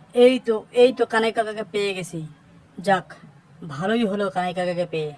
এই তো কানাই কাকাকে পেয়ে গেছি। যাক, ভালোই হলো কানাই কাকাকে পেয়ে।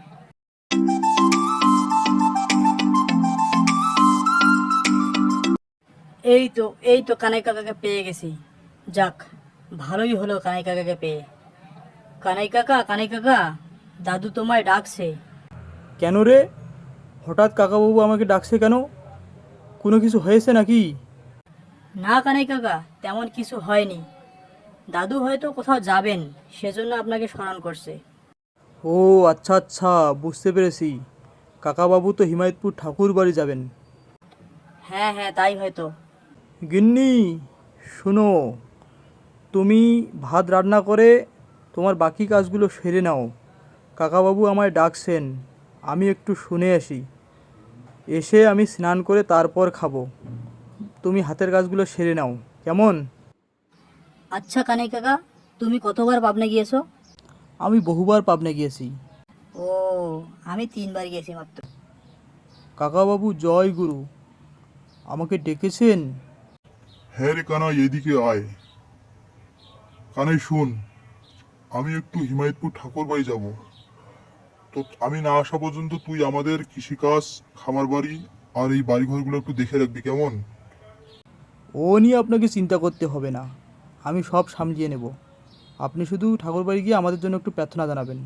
এই তো কানাই কাকাকে পেয়ে গেছি। যাক, ভালোই হলো কানাই কাকাকে পেয়ে। কানাই কাকা, দাদু তোমায় ডাকছে। কেন রে? হঠাৎ কাকাবাবু আমাকে ডাকছে কেন? কোনো কিছু হয়েছে নাকি? না কানাই কাকা, তেমন কিছু হয়নি। দাদু হয়তো কোথাও যাবেন, সেজন্য আপনাকে স্মরণ করছে। ও আচ্ছা আচ্ছা, বুঝতে পেরেছি। কাকাবাবু তো হিমায়তপুর ঠাকুর বাড়ি যাবেন। হ্যাঁ হ্যাঁ, তাই হয়তো। গিন্নি, শোনো, তুমি ভাত রান্না করে তোমার বাকি কাজগুলো সেরে নাও। কাকাবাবু আমায় ডাকছেন, আমি একটু শুনে আসি। এসে আমি স্নান করে তারপর খাবো। তুমি হাতের কাজগুলো সেরে নাও, কেমন? আচ্ছা কানাই কাকা, তুমি কতবার পাবনা গিয়েছো? আমি বহুবার পাবনা গিয়েছি। ও, আমি 3বার গিয়েছি মাত্র। কাকাবাবু জয় গুরু, আমাকে ডেকেছেন? হ্যাঁ রে কানাই, এদিকে আয়। কানাই শুন, আমি একটু হিমায়তপুর ঠাকুর বাড়ি যাবো। তো আমি না আসা পর্যন্ত তুই আমাদের কৃষিকাজ, খামার বাড়ি আর এই বাড়িঘরগুলো একটু দেখে রাখবি, কেমন? ও নিয়ে আপনাকে চিন্তা করতে হবে না, আমি সব সামলিয়ে নেব। আপনি শুধু ঠাকুরবাড়ি গিয়ে আমাদের জন্য একটু প্রার্থনা জানাবেন।